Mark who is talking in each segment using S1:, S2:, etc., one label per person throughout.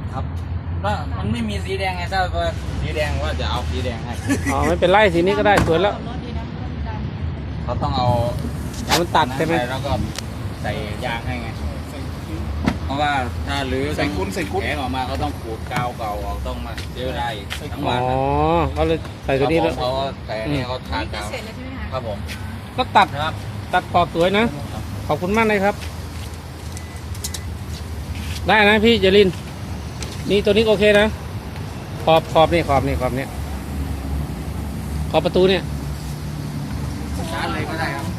S1: ครับว่ามันไม่มีสีแดงไงถ้าว่าสีแดงว่าจะเอาสีแดงให้
S2: อ๋อไม่เป็นไรสีนี้ก็ได้สวยแล้ว
S1: เขาต้องเอา
S2: มันตัดใช่ไหม
S1: แล้วก็ใส่ยางให้ไงเพราะว่าถ้ารื้อใส่กุ้นแข็งออกมาเขาต้องขูดกาวเก่าออกต้องมาเจอได้ทั้ง
S2: อ๋
S1: วั
S2: อน เขาเลยใส่ตัวนี้แล้ว
S1: เขาแต่นี่เขาทาน
S3: พิ
S1: กาว
S3: เศษเลยใช่ไหมคะ
S1: ครับผม
S2: ก็ตัด
S1: นะครับ
S2: ตัดขอบสวยนะ ขอบคุณมากเลยครับ ได้นะพี่เจรินนี่ตัวนี้โอเคนะขอบนี่ขอบประตูเนี่ย
S1: ชาร์จเลยก็ได้ครับ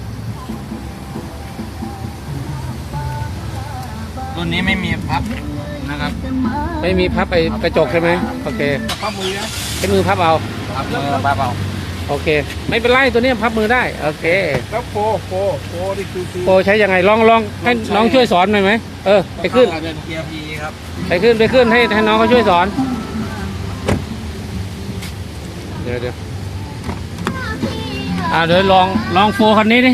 S1: รุ่นนี้ไม่มีพับนะครับ
S2: ไม่มีพับไปกระจกใช่ไหมโอเค
S1: พับมือนะ
S2: ใช้มือพับเอา
S1: พับมือพับเอา
S2: โอเค ไม่เป็นไรตัวนี้พับมือได้โอเค
S4: แล้วโฟนี่คือ
S2: โปรใช้ยังไงลองให้น้องช่วยสอนหน่อยไหมไปขึ้น
S1: เกียร์พีครับ
S2: ไปขึ้นให้น้องเขาช่วยสอนเดี๋ยวเดี๋ยวลองโฟคันนี้ดิ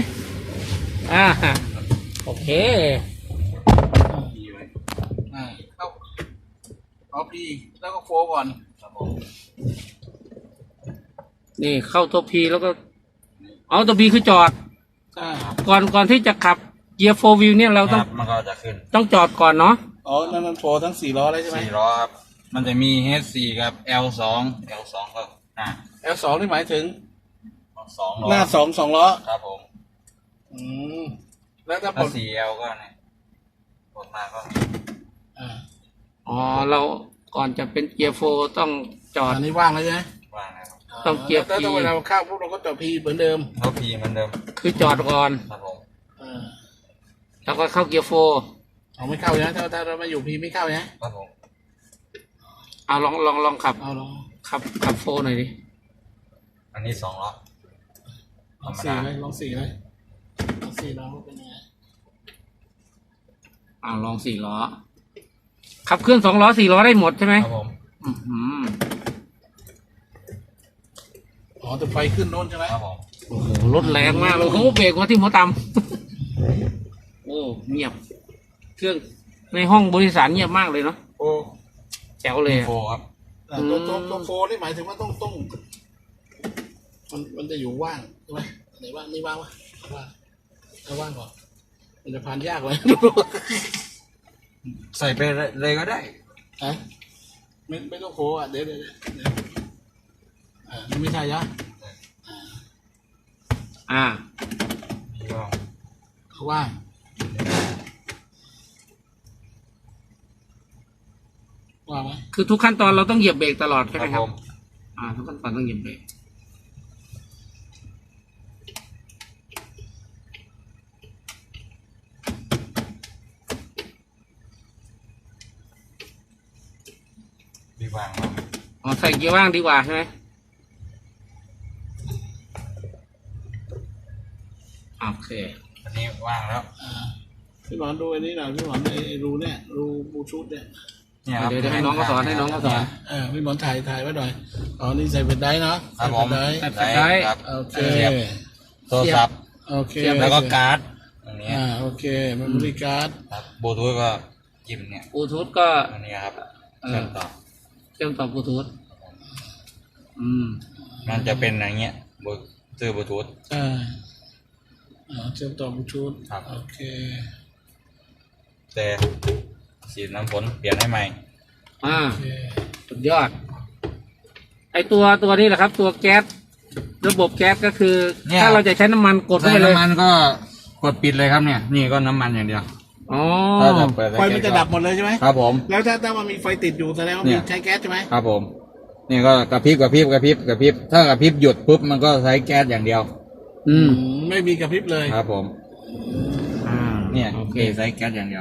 S2: โอเค
S1: พีไว้
S4: เอาพีแล้วก็โฟก่อน
S1: ครับผม
S2: นี่เข้าตัวพีแล้วก็เอาตัวพีคือจอด
S4: ใช่
S2: ก่อนที่จะขับเกียร์โฟวิวเนี่ยเรา
S1: ครับมันก็จะขึ้น
S2: ต้องจอดก่อนเนาะ
S4: อ๋อนั่นมันโฟทั้ง4 ล้อเลยใช่ไหม
S1: 4 ล้อครับมันจะมี H4 กับ L2 ก็หน้า
S4: L2 นี่หมายถึง
S1: 2 ล้อ
S4: หน้า2 ล้อ
S1: ครับผม
S4: อืมแล้วถ้าผ
S1: ถ้า
S4: ล
S1: 4L ก็เนี่ยกดมาก็
S4: อ่า
S2: อ๋อเราก่อนจะเป็นเกียร์โฟต้องจอด
S4: อันนี้ว่างแล้วใช่ไหม
S1: ว่างนะครับ
S2: ต้องเกียร์
S4: แล้วถ้า
S2: P
S4: เวลาเข้าพวกเราก็จอดพีเหมือนเดิม
S1: เขาพีเหมือนเดิม
S2: คือจอดก่อน
S1: ครับผม
S4: อ่า
S2: แล้วก็เข้าเกียร์โฟ
S4: เอาไม่เข้าใช่ไหมถ้าเรามาอยู่พีไม่เข้าใช่ไหม
S1: ครับผม
S2: เอาลองขับ
S4: เอาลอง
S2: ขับโฟหน่อยดิ
S1: อันนี้2 ล้อ
S4: ลอง4เลยลอง4เลยลอง4ล้อเป็นยังไง
S2: ลอง4 ล้อขับเคลื่อน2 ล้อ4 ล้อได้หมดใช่ไหม
S1: ครับผม
S2: อื้อหือ
S4: อ๋อแต่ไฟขึ้นโน้นใช่ไหม
S1: ครับผม
S2: โอ้โหรถแรงมากเลยเขาเบรกมาที่หัวต่ำโอ้เงียบ เครื่องในห้องบริษัทเงียบมากเลยเนาะ
S4: โอ้
S2: แจ๋วเลยอะ
S1: โฟครับ
S4: ตัวโฟนี่หมายถึงว่าต้องมันจะอยู่ว่างใช่ไหมไหนว่างนี่ว่างวะว่างถ้าว่างก่อนมันจะผ่านยากเลย
S1: ใส่ไปเลยก็ได้
S4: ฮะไม่ต้องโฟอ่ะเดี๋ยวนี่ไม่ใช่ยะ
S1: นี่ก็
S4: เขาว่างว่างไหม
S2: คือทุกขั้นตอนเราต้องเหยียบเบรกตลอดใช่
S1: ค
S2: ไหม
S1: รับ
S2: ครั
S1: ผ
S2: บ
S1: ม
S2: ทุกขั้นตอนต้องเหยียบเบรก
S1: ดีวางมา
S2: ใส่เกียร์ว่างดีกว่าใช่ไหมโอเค
S1: อันนี้ว่างแล้ว
S4: พี่หมอนดูอันนี้หน่อยพี่หมอนไอ้รูเนี่ยรูบูชูดเนี่ย
S1: เนี่ยครับ
S2: เดี๋ยวให้น้องเขาสอน
S4: พี่หมอนถ่ายไว้หน่อยอ๋อนี่ใส่เป็นได้เนาะ
S1: ครับผม
S4: ใส่เป็นได้
S1: ได้ครับ
S4: โอเค
S1: เสียบโทรศัพท์
S4: โอเค
S1: แล้วก็การ์ดอันนี้
S4: โอเคมันบริการ์ด
S1: ครับบลูทูธก็จิ้มเนี่ย
S2: บลูทูธก็
S1: อันนี้ครับ
S2: เออ
S1: เชื่อมต่อ
S2: เชื่อมต่อบลูทูธ
S1: มันจะเป็นอย่างเงี้ยซื้อบลูทูธ
S4: เชื่อมต่อบลูทูธ
S1: ครับ
S4: โอเค
S1: แต่ฉีดน้ำฝนเปลี่ยนให้ใหม่
S4: โอเค
S2: สุดยอด ไอตัวนี้แหละครับ ตัวแก๊สระบบแก๊สก็คือ
S1: เนี่ย
S2: ถ้าเราจะใช้น้ำมันกดเข้า
S1: ใส่
S2: ไปเลย
S1: น้ำมันก็กดปิดเลยครับเนี่ย นี่ก็น้ำมันอย่างเดียว
S2: อ๋อ
S1: ถ้าจะเปิด
S4: ไฟมันจะดับหมดเลยใช่ไหม
S1: ครับผม
S4: แล้วถ้ามันมีไฟติดอยู่แสดงว่า
S1: เนี่
S4: มี
S1: ย
S4: ใช้แก๊สใช่ไหม
S1: ครับผม นี่ก็กระพริบถ้ากระพริบหยุดปุ๊บมันก็ใช้แก๊สอย่างเดียว
S4: ไม่มีกระพริบเลย
S1: ครับผม เนี่ย
S2: โอเค
S1: ใช้แก๊สอย่างเดียว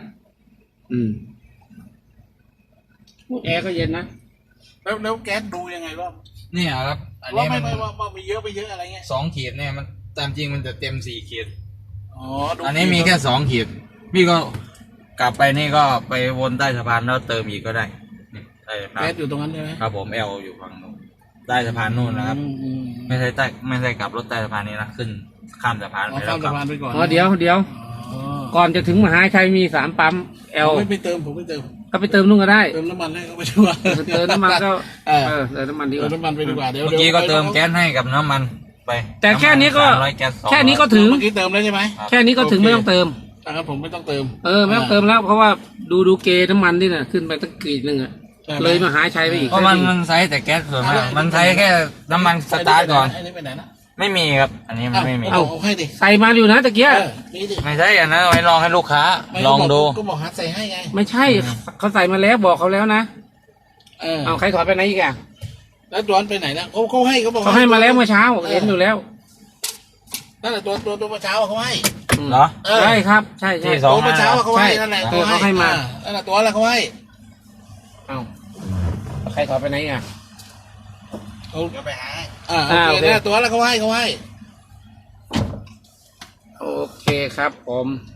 S2: แอร์ก็เย็นนะ
S4: แล้วแก๊สดูยังไงว่า
S1: เนี่ยครับ อัน
S4: ว่า
S1: นี้
S4: ไม่
S1: มัน
S4: ว่ามีเยอะไปเยอะอะไรเงี้ย
S1: 2 ขีดเนี่ยมันตามจริงมันจะเต็ม4 ขีด
S4: อ๋อดู
S1: อันนี้มีแค่2 ขีดพี่ก็กลับไปนี่ก็ไปวนใต้สะพานแล้วเติมอีกก็ได้นี่ใต้สะพาน
S4: แก๊สอยู่ตรงนั้นใช่ไหม
S1: ครับผมเอลอยู่ฝั่งนู้นใต้สะพานนู่นนะครับ ไม่ใช่กลับรถใต้สะพานนี้นะขึ้นข้ามสะพาน
S4: อ๋อ
S1: ไปแล้
S4: ข้าว ม
S1: กลั
S4: สะ
S1: บ
S4: พานไปก่อน
S2: เดี๋ยว
S4: อ๋อ
S2: ก่อนจะถึงมหาชัยมี3 ปั๊ม
S4: ผม
S2: L
S4: ไม่เติมผมไม่เติม
S2: ก็ไปเติมนู่นก็ได้
S4: เติมน้ำมันให้เขาไปดีกว่า
S2: เติมน้ำมันก็
S4: เออ
S2: เติมน้ำมันดีก
S4: เติม
S2: ว่า
S4: น้ำมันไปดีกว่าเดี๋ยว
S1: เมื่อกี้ก็เติมแก๊สให้กับน้ำมันไป
S2: แต่แค่นี้ก็
S1: 300แก๊ส200
S2: แค่นี้ก็ถึง
S4: เมื่อกี้เติมแล้วใช่ไหม
S2: แค่นี้ก็ถึงไม่ต้องเติม
S4: นะครับผมไม่ต้องเติม
S2: ไม่ต้องเติมแล้วเพราะว่าดูเกณฑ์น้ำมันนี่น่ะขึ้นไปตั้งกรีดหนึ่งอะ
S4: ใช่ไหม
S2: เลยมหาชัยไปอีก
S1: เพราะมันใช้แต่แก๊สส่วนมากมันใช้แค่น้ำมันสตาร์ทก่อน
S4: ไอ้นี่ไปไหนนะ
S1: ไม่มีครับ อันนี้มันไม่มี
S4: เอาให้ดิ
S2: ใส่มาอยู่นะตะเกีย
S4: นี่ดิ
S1: ไม่ใช่อันนั้นเอาไว้ลองให้ลูกค้า
S4: ไม่
S1: ลองดู
S4: ก็บอกหัดใส่ให้ไง
S2: ไม่ใช่เขาใส่มาแล้วบอกเขาแล้วนะ
S4: เอา
S2: ใครถอดไปไหนอีกอะ
S4: แล้วดอนไปไหนนะเขาให้เขาบอก
S2: เขาให้มาแล้วเมื่อเช้าเห็นอยู่แล้ว
S4: นั่นแหละตัวเมื่อเช้าเขาให้
S1: เหรอ
S2: ใช่ครับใช่
S1: ที่
S2: ใช่
S1: สอง
S4: ตัวเมื่อเช้าเขาให้นั่นแหละ
S2: ใช่เขาให้มา
S4: นั่นแหละตัวอะไรเขาให้
S2: เอาใครถอดไปไหนอีกอะ
S4: เขาไปหาโอเคนั่นแหละตัวอะไรเขาให้
S2: โอเคครับผม